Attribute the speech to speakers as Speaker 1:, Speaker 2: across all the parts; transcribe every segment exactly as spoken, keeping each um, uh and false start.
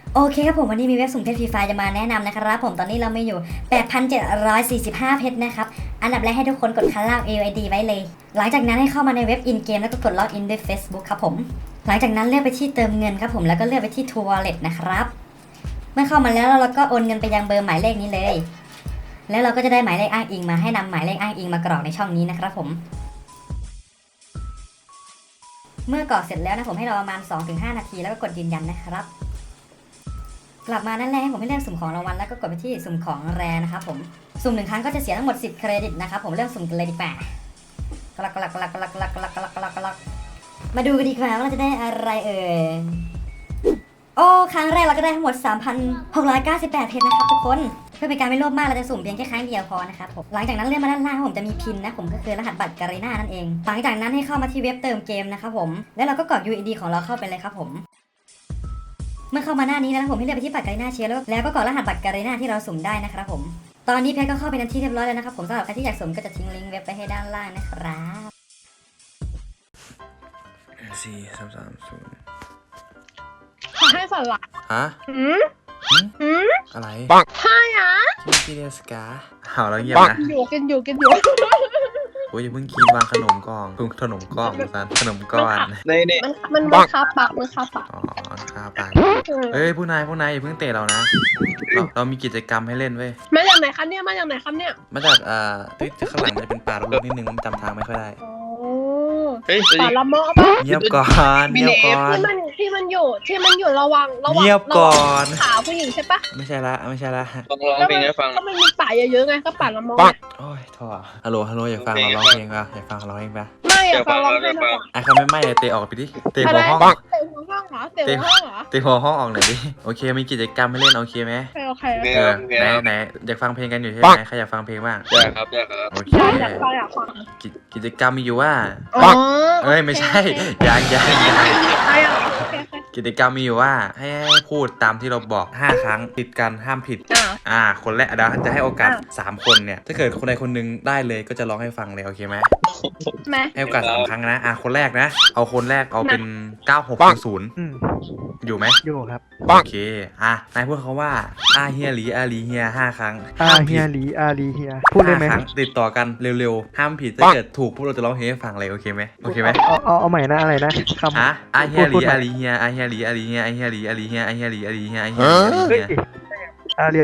Speaker 1: โอเคครับผมวันนี้มีเว็บสุ่มเพชรฟรีไฟจะมาแนะนำนะครับผมตอนนี้เราไม่อยู่ แปดพันเจ็ดร้อยสี่สิบห้า เพชรนะครับอันดับแรกให้ทุกคนกดคันล่าง เอ ไอ ดี ไว้เลยหลังจากนั้นให้เข้ามาในเว็บอินเกมแล้วก็กดล็อกอินด้วย Facebook ครับผมหลังจากนั้นเลือกไปที่เติมเงินครับผมแล้วก็เลือกไปที่ True Wallet นะครับเมื่อเข้ามาแล้วเราก็โอนเงินไปยังเบอร์หมายเลขนี้เลยแล้วเราก็จะได้หมายเลขอ้างอิงมาให้นำหมายเลขอ้างอิงมากรอกในช่องนี้นะครับผมเมื่อกรอกเสร็จแล้วนะผมให้รอประมาณ สองถึงห้า นาทีแล้วก็กดยืนยันนะครับกลับมานั่นแหละให้ผมให้เลือกสุ่มของรางวัลแล้วก็กดไปที่สุ่มของแรนะครับผมสุ่มหนึ่งครั้งก็จะเสียทั้งหมดสิบเครดิตนะครับผมเริ่มสุ่มกันเลยดีกว่ากลักกลักกลักกลักกลักกลักกลักกลักกลักมาดูกันดีกว่าว่าเราจะได้อะไรเอ่ยโอ้ครั้งแรกเราก็ได้ทั้งหมด สามพันหกร้อยเก้าสิบแปด เพชรนะครับทุกคนเพื่อเป็นการไม่โลภมากเราจะสุ่มเพียงแค่ครั้งเดียวพอนะครับผมหลังจากนั้นเลื่อนมาด้านล่างผมจะมีพินนะผมก็คือรหัสบัตรการีน่านั่นเองหลังจากนั้นให้เข้ามาที่เว็บเติมเกมนะครับผมแล้วเราก็กรอก ยู ไอ ดี ของเราเข้าไปเลยครับผมเมื่อเข้ามาหน้านี้แล้วผมให้เลือกไปที่บัตรการีน่าเชียร์แล้วแล้วก็กรอกรหัสบัตรการีน่าที่เราสุ่มได้นะครับผมตอนนี้เพชรก็เข้าไปในที่เรียบร้อยแล้วนะครับผมสำหรับใครที่อยากสุ่มก็จะทิ้งลิงก์เว็บไปให้ด้านล่างนะครับ
Speaker 2: สี่สามสามศูนย์
Speaker 3: ขอให้สลัด
Speaker 2: ฮะ
Speaker 3: อืมอืม
Speaker 2: อะไร
Speaker 3: ปังใช่อ่ะ
Speaker 2: กินกินเดสกาเห่าแล้วเงียบนะ
Speaker 3: กินอยู่กินอยู่กินอยู่
Speaker 2: โอ้ยอย่าเพิ่งกินวางขนมกล่องพึ่งขนมกล่องสันขนมก้อน
Speaker 3: เนี่ยเนี่ยมันมันคาปากมันคาปาก
Speaker 2: อ๋อคาปากเอ้ยผู้นายผู้นายอย่าเพิ่งเตะเรานะเราเรามีกิจกรรมให้เล่นเว้ย
Speaker 3: มาจากไหนครับเนี่ยมาจากไหนครับเนี่ย
Speaker 2: มาจากอ่าที่ข้างหลังมันจะเป็นป่าลูกนิดนึงมันจำทางไม่ค่อยได้
Speaker 3: ป่าละเมาะปะ
Speaker 2: เงียบก่อนเงียบก่อน
Speaker 3: ที่มันที่มันอยู่ที่มันอยู่ระวังระวัง
Speaker 2: เงียบก่อน
Speaker 3: ขาผู้หญิงใช่ปะ
Speaker 2: ไม่ใช่ละไม่ใช่ละ
Speaker 4: ต้องร้องเพลงให้ฟัง
Speaker 3: ก็มันมีป่าเยอะๆไงก็ป่าละเมาะ
Speaker 2: โอ้ยท่อฮัลโหลฮัลโหลอยากฟังเราร้องเพลงป่ะอยากฟังเราร้องเพลงป่ะ
Speaker 3: ไม่อยากฟังร้องเพลงป่ะ
Speaker 2: ไอ้เขาไม่ไม่เตะออกไปดิเตะหัวห้อง
Speaker 3: เตะหัวห้องเหรอเตะหัวห้องเหรอ
Speaker 2: เตะหัวห้องออกหน่อยดิโอเคมีกิจกรรมให้เล่นโอเคไหม
Speaker 3: โอเค
Speaker 2: เออไหนไหนอยากฟังเพลงกันอยู่ใช่ไหมใครอยากฟังเพลงบ้าง
Speaker 4: อยากครับอยากครับ
Speaker 2: โอเค
Speaker 3: อยากฟังอยากฟัง
Speaker 2: กิจกรรมมีอยู่ว่า
Speaker 3: อ๋อ
Speaker 2: เอ้ยไม่ใช่ยังยังยังกิจกรรมมีอยู่ว่าให้พูดตามที่เราบอกห้าครั้งติดกันห้ามผิดอ่าคนแรกเดี๋ยวจะให้โอกาสสามคนเนี่ยถ้าเกิดคนใดคนหนึ่งได้เลยก็จะร้องให้ฟังเลยโอเคไหมให้โอกาสสามครั้งนะอ่ะคนแรกนะเอาคนแรกเอาเป็นเก้าหกศูนย์อยู่ไหม
Speaker 5: อยู่ครับ
Speaker 2: โอเคอ่ะนายพูดเขาว่าอาเฮียหลีอาลีเฮียห้าครั้ง
Speaker 5: อาเฮียหลีอาลีเฮียพูดได้ไหม
Speaker 2: ติดต่อกันเร็วๆห้ามผิดถ้าเกิดถูกพวกเราจะร้องเพลงให้ฟังเลยโอเคไหมโอเคไหม
Speaker 5: เอาเอาเอาใหม่นะอะไรนะคำ
Speaker 2: อ่ะอาเฮียหลีอาลีเฮียอาเฮียหลีอาลีเฮียอาเฮียหลีอาลีเฮียอาเฮียหลีอาลีเฮียอาเฮียหลีอาลีเฮีย
Speaker 5: อาเลีย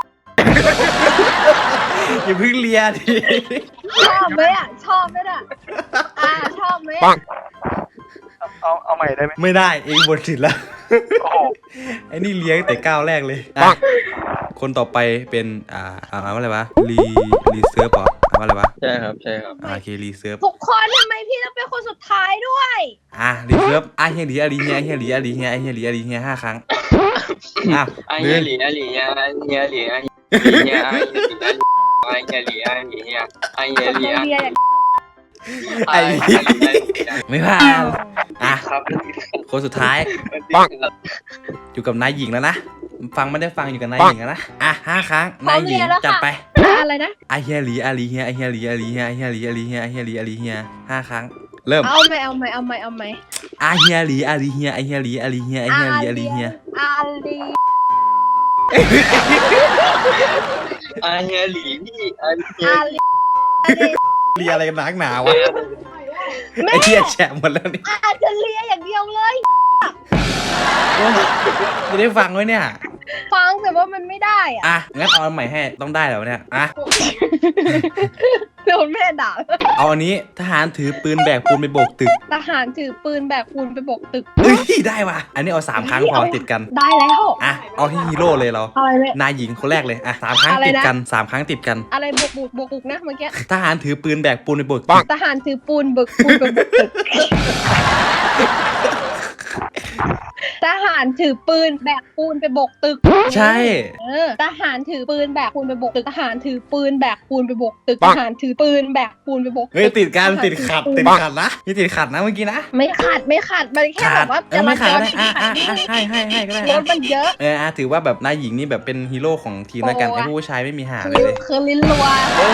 Speaker 2: อย่าเพิ่งเลียดิ
Speaker 3: ชอบไหมอ่ะชอบไหมอ่ะอ่าชอบไหม
Speaker 5: เอาเอาใหม่ได้ไหม
Speaker 2: ไม่ได้เองบนสิทธิ์แล้วไอ้นี่เลี้ยงแต่ก้าวแรกเลยคนต่อไปเป็นอ่าอ่าว่าอะไรวะรีรีเซิร์ฟหรอว่าอะไรวะ
Speaker 4: ใช่ครับใช่ครับ
Speaker 2: โอเครีเซิร์ฟ
Speaker 3: ทุกคนทำไมพี่ต้องเป็นคนสุดท้ายด้วย
Speaker 2: อ่ะรีเซิร์ฟอาเฮียหลีอาลีเฮียอาเฮียหลีอาลีเฮียอาเฮียหลีอาลีเฮียห้าครั้ง
Speaker 4: อ่ะอาเฮียหลีอาลีเฮียอาเฮียหลีอาเฮียอาเฮียหลีอาเฮียหลีอาเฮียอาเฮียหลี
Speaker 2: ไอ้ไม่ผ่านอ่ะคนสุดท้ายอยู่กับนายหญิงแล้วนะฟังไม่ได้ฟังอยู่กับนายหญิงแล้วนะอ่ะห้าครั้งนายหญิงจัดไป
Speaker 3: อะไรนะ
Speaker 2: อาเฮียหลีอาลีเฮียอาเฮียหลีอาลีเฮียอาเฮียหลีอาลีเฮียอาเฮียหลีอาลีเฮียห้าครั้งเริ่ม
Speaker 3: เอาไหมเอาไหมเอาไหมเอาไหม
Speaker 2: อาเฮียหลีอาลีเฮียอาเฮียหลีอาลีเฮียอาเฮียหลีอาลีเฮีย
Speaker 3: อาลี
Speaker 4: อาเฮียหลีพี่อาเฮีย
Speaker 2: เลียอะไรกันนักหนาวะไอ้เหี้ยแฉะหมดแล้วนี่
Speaker 3: อาจจะเลียอย่างเดียวเลย
Speaker 2: ไม่ได้ฟังไว้เนี่ย
Speaker 3: ฟังแต่ว่ามันไม่ได้อ่ะ
Speaker 2: อ่ะงั้นเอาใหม่ให้ต้องได้แล้วเนี่ยอ่ะ
Speaker 3: โดนแม่ด่า
Speaker 2: เอาอันนี้ทหารถือปืนแบกปูนไปโบกตึก
Speaker 3: ทหารถือปืนแบกปูนไปโบกตึก
Speaker 2: เฮ้ยได้ว่ะอันนี้เอาสามครั้งพอติดกัน
Speaker 3: ได้แล้ว
Speaker 2: อ่ะเอาที่ฮีโร่เลยเรา
Speaker 3: อะไรเลย
Speaker 2: นายหญิงคนแรกเลยอ่ะสามครั้งติดกันสามครั้งติดกัน
Speaker 3: อะไรโบกบุกโบกบุกนะเมื่อกี้
Speaker 2: ทหารถือปืนแบกปูนไปโบกตึก
Speaker 3: ทหารถือปูนเบิกปูนไปโบกตึกทหารถือปืนแบกปูนไปโบกตึก
Speaker 2: ใช่
Speaker 3: เออทหารถือปืนแบกปูนไปโบกตึกทหารถือปืนแบกปูนไปโบกตึกทหารถือปืนแบกปูนไปโบก
Speaker 2: เฮ้ยติดกันติดขัดติดขัดนะนี่ติดขัดนะเมื่อกี้นะ
Speaker 3: ไม่ขัดไม่ขัดมันแค่แบบว่า
Speaker 2: จะมาขัดได้อ่ะอ่ะให้ให้ให้ก็ได้
Speaker 3: รถมันเยอะ
Speaker 2: เอออ่ะถือว่าแบบนายหญิงนี่แบบเป็นฮีโร่ของทีมแล้วกันไอ้ผู้ชายไม่มีหาเลยเลย
Speaker 3: คือลิ้นรัว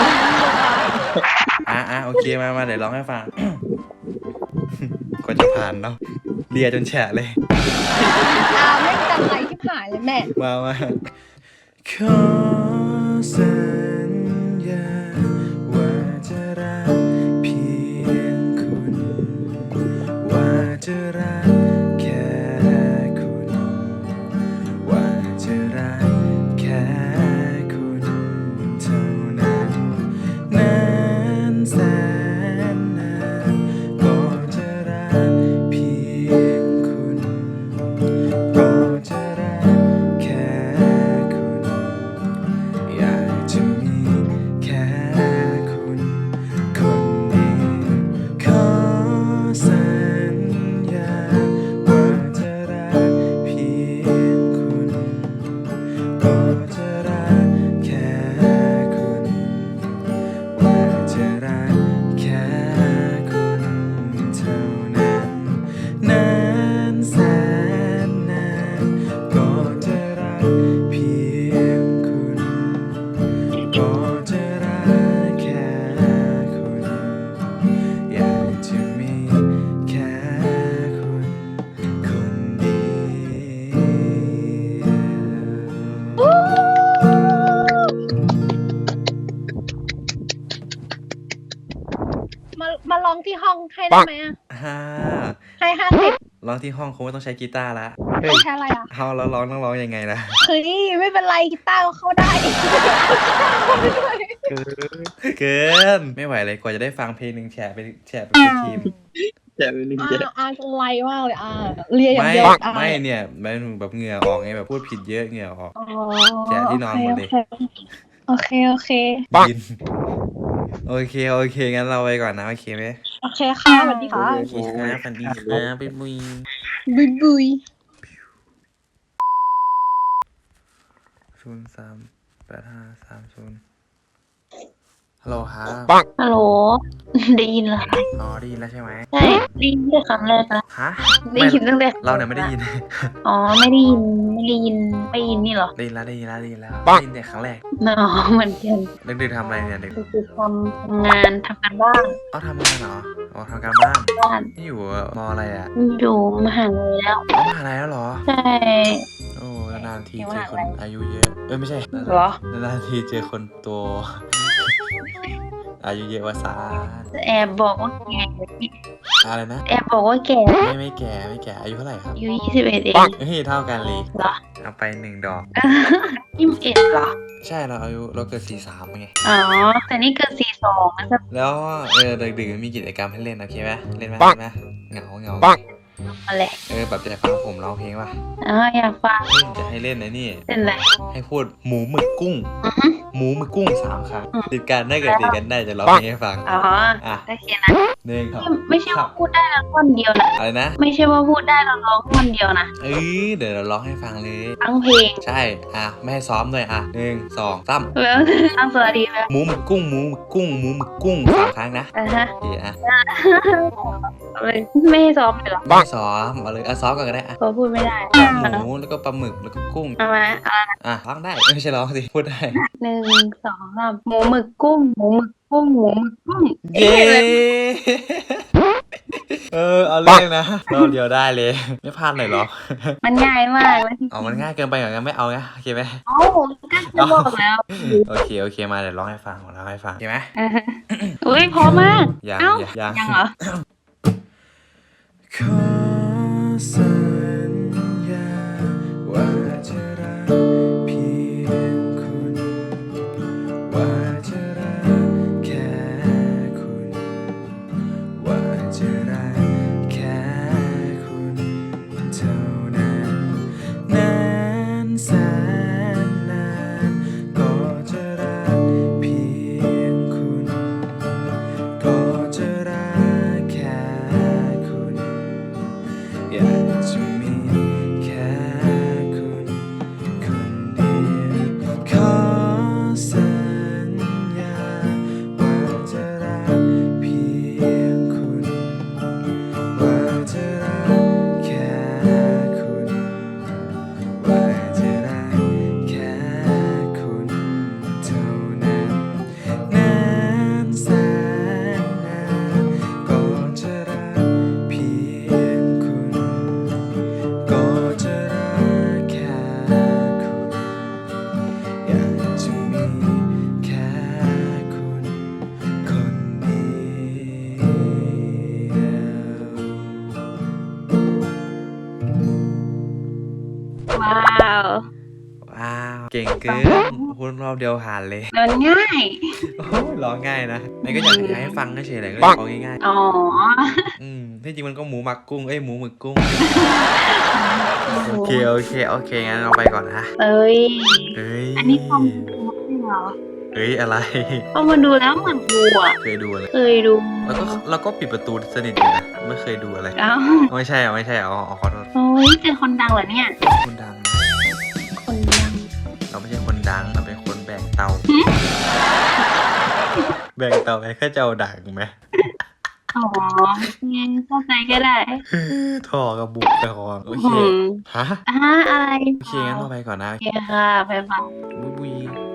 Speaker 2: อ่ะอ่ะโอเคมามาเดี๋ยวร้องให้ฟังก็จะผ่านเนาะเลียจนแฉะเลย
Speaker 3: อ่าไม่จำไรที่หายเลยแม่
Speaker 2: มามาขอสัญญาว่าจะรักเพียงคุณว่าจะรักแค่คุณว่าจะรักแค่คุณเท่านั้นนานแสนนานก็จะรักเพียงคุณก็จะรักแค่คุณอยากจะมีแค่คุณคนเดียวขอสัญญาว่าจะรักเพียงคุณก็จะรักแค่คุณว่าจะรักแค่คุณเท่านั้นนานแสนนานก็จะรักเพียงคุณก็จะรักแค่คุณอยากจะมีแค่คุณคนเดียว
Speaker 3: มามาลองที่ห้องให้ได้ไหมอะ
Speaker 2: ฮ่า
Speaker 3: ให้ห้าสิบ
Speaker 2: ร้องที่ห้องคงไม่ต้องใช้กีตาร์ละ
Speaker 3: ไม่ใช่อะไรอ่ะ
Speaker 2: เอาแล้วร้องต้องร้องยังไงล่ะ
Speaker 3: เฮ้ยไม่เป็นไรกีตาร์ก็เข้าได้
Speaker 5: เกิน
Speaker 2: เกินไม่ไหวเลยกว่าจะได้ฟังเพลงหนึ่งแฉะไปแฉะไปเป็นทีม
Speaker 4: แต่เป็นหนึ่ง
Speaker 3: อ่า
Speaker 4: เดียว
Speaker 3: อ่าไรมากเลยอ่าเรียอย่าง
Speaker 2: ไม่
Speaker 3: เดียวอ่า
Speaker 2: ไม่เนี่ยมันแบบเหงื่อออกไงแบบพูดผิดเยอะเหงื่อออก
Speaker 3: อ๋อ
Speaker 2: แกะที่นอนหมดเลย
Speaker 3: โอเคโอเค
Speaker 2: กินโอเคโอเคงั้นเราไปก่อนนะโอเคไหม
Speaker 3: โอเคค่ะสวัสดีค่ะ
Speaker 2: โอเคครับสวัสดีครับไปมุย
Speaker 3: บุยบุย
Speaker 2: ศูนย์สามแปดห้าสามศูนย์ฮัลโหลครับ
Speaker 6: ฮัลโหล ได้ยินเหรอ
Speaker 2: อ๋อได้ยินแล้วใช่ไหม
Speaker 6: ใช่ได้ยินแค่ครั้งแรกนะ
Speaker 2: ฮะ
Speaker 6: ได้ยินตั้งแต่
Speaker 2: เราเนี่ยไม่ได้ยิน
Speaker 6: อ๋อไม่ได้ยินไม่ได้ยินไม่ได้ยินนี่เหรอ
Speaker 2: ได้ยินแล้วได้ยินแล้วได้ยินแล้วได้ยินแต่ครั้งแรก
Speaker 6: อ๋อเหมือนกัน
Speaker 2: ดึกๆทำอะไรเนี่ยดึก
Speaker 6: ก็คือทำทำงานทำการบ้าน
Speaker 2: อ๋อทำงานเหรออ๋อทำการบ้าน
Speaker 6: บ้าน
Speaker 2: นี่อยู่มออะไรอ่ะ
Speaker 6: อยู่มหาลัยแล้ว
Speaker 2: อ๋อมหาลัยแล้วเหรอ
Speaker 6: ใช่
Speaker 2: โอ้นานๆที
Speaker 6: อยู่
Speaker 2: เจอ
Speaker 6: มหา
Speaker 2: คน
Speaker 6: ลัย
Speaker 2: อายุเยอะเอ้ยไม่ใช่
Speaker 6: เหรอ
Speaker 2: นานๆทีเจอคนโต อายุเยอะวาซา
Speaker 6: แอบบอกว่าแก่
Speaker 2: อะไรนะ
Speaker 6: แอบบอกว่าแก่
Speaker 2: ไม่ไม่แก่ไม่แก่อายุเท่าไหร่ครับ
Speaker 6: อายุยี่สิบเอ็ดเอง
Speaker 2: เฮ้ยเท่ากันเลย
Speaker 6: เหรอ
Speaker 2: เอาไปหนึ่งดอก
Speaker 6: ยี่สิบเอ็ดเหรอ
Speaker 2: ใช่เราอายุเราเกิดสี่สามไง
Speaker 6: อ๋อแต่นี่เกิดสี่สองนะจ๊ะ
Speaker 2: แล้วเออดึกๆมีกิจกรรมให้เล่นโอเคไหมเล่นไหมเล่นไหมเหงาเหงา
Speaker 6: อะไร
Speaker 2: เออแบบจะฟังผมร้องเพลงป่ะ
Speaker 6: อ๋ออยากฟัง
Speaker 2: จะให้เล่นนะนี่
Speaker 6: เป็นไร
Speaker 2: ให้พูดหมูหมึกกุ้ง
Speaker 6: อือฮึ
Speaker 2: หมูหมึกกุ้งสามครั้ง
Speaker 6: อืม
Speaker 2: ติดกันได้เกิดติดกันได้จะร้องเพลงให้ฟัง
Speaker 6: อ๋อ
Speaker 2: อ่ะ
Speaker 6: โอเคนะ
Speaker 2: หนึ่งครับ
Speaker 6: ไม่ใช่ว่าพูดได้แล้วคนเดียวนะ
Speaker 2: อะไรนะ
Speaker 6: ไม่ใช่ว่าพูดได้แล้วร้องคนเดียวนะ
Speaker 2: เอ้ยเดี๋ยวเราร้องให้ฟังเลย
Speaker 6: ทั้งเพลง
Speaker 2: ใช่ อ่ะ ไม่ให้ซ้อมด้วยอ่ะหนึ่งสองสาม
Speaker 6: แล้วตั้งสวัสดีแล้ว
Speaker 2: หมูหมึกกุ้งหมูหมึกกุ้งหมูหมึกกุ้งสามครั้งนะ
Speaker 6: อ่ะฮะ
Speaker 2: โอเคอ่ะ
Speaker 6: เลยไม่ให้ซ้อมเลยเหรอ
Speaker 2: ไม่ซ้อมเอาเลยอ่ะซ้อมก่อนก็ได้อ่ะ
Speaker 6: เพราะพูดไม่ได้
Speaker 2: หมูแล้วก็ปลาหมึกแล้วก็กุ้ง
Speaker 6: เอามาเอามา
Speaker 2: อ่ะร้องได้ไม่ใช่ร้องสิพูดได้
Speaker 6: หนึ่งสองสามหมูหมึกกุ้งหมูหมึกกุ้งหมูหมึกกุ้ง
Speaker 2: เย้เออเอาเรื่องนะรอบเดียวได้เลย ไม่พลาดเลยเหรอ
Speaker 6: มันง่ายมากเลย
Speaker 2: เอามันง่ายเกินไปอย่างนั้นไม่เอาไงโอเคไหม
Speaker 6: เอ้าก็จะบอกแล้ว
Speaker 2: โอเคโอเคมาเดี๋ยวร้องให้ฟังร้องให้ฟังโอเคไหม
Speaker 6: อ่ะฮะอุ้ยพอมาก
Speaker 2: ยัง
Speaker 6: เอ้า
Speaker 2: ยัง
Speaker 6: ยังเหรอ
Speaker 2: ขอสัญญาว่าจะรักเพียงคุณว่าจะรักแค่คุณว่าจะรักแค่คุณเท่านั้นนานแสนนานก็จะรักเพียงคุณก็จะรักแค่คุณอยากจะมีแค่คุณคนเดียวขอสัญญาว่าจะรักเพียงคุณว่าจะรักแค่คุณว่าจะรัก
Speaker 6: ว้าว
Speaker 2: ว้าวเก่งเกินพูดรอบเดียวผ่านเลย
Speaker 6: มันง่าย
Speaker 2: โอ้ยร้องง่ายนะนายก็อยากอยากให้ฟังเฉยๆเลยก็เลยร้องง่าย
Speaker 6: อ๋อ
Speaker 2: ๆอืมที่จริงมันก็หมูหมักกุ้งเอ้ยหมูหมึกกุ้งโอเคโอเคโอเคงั้นเราไปก่อนนะ
Speaker 6: เอ้ย
Speaker 2: เฮ้ย
Speaker 6: อันนี้คอมดูเหรอ
Speaker 2: เฮ้ยอะไร
Speaker 6: พอมาดูแล้วเหมือนกูอ่ะ
Speaker 2: เคยดูอะไร
Speaker 6: เคยดู
Speaker 2: แล้วก็เราก็ปิดประตูสนิทอยู่นะไม่เคยดูอะไร
Speaker 6: อ้าว
Speaker 2: ไม่ใช่อะไม่ใช่อะอ๋ออ๋อขอโทษ
Speaker 6: โอ้ยเจอคนดังเหรอเนี่ย
Speaker 2: คนดังนะ
Speaker 6: คนดัง
Speaker 2: เราไม่ใช่คนดังเราเป็นคนแบกเตา แบกเตาไอ้ข้าเจ้าดังไหม
Speaker 6: อ๋องั้นเข้าใจก็ได้
Speaker 2: ท่อกับบุกไปคอโอเค
Speaker 6: อืม
Speaker 2: ฮะ
Speaker 6: อ่าอะไร
Speaker 2: โอเคงั้นเราไปก่อนนะ
Speaker 6: โอเคค่ะไปฟัง
Speaker 2: บุยบุย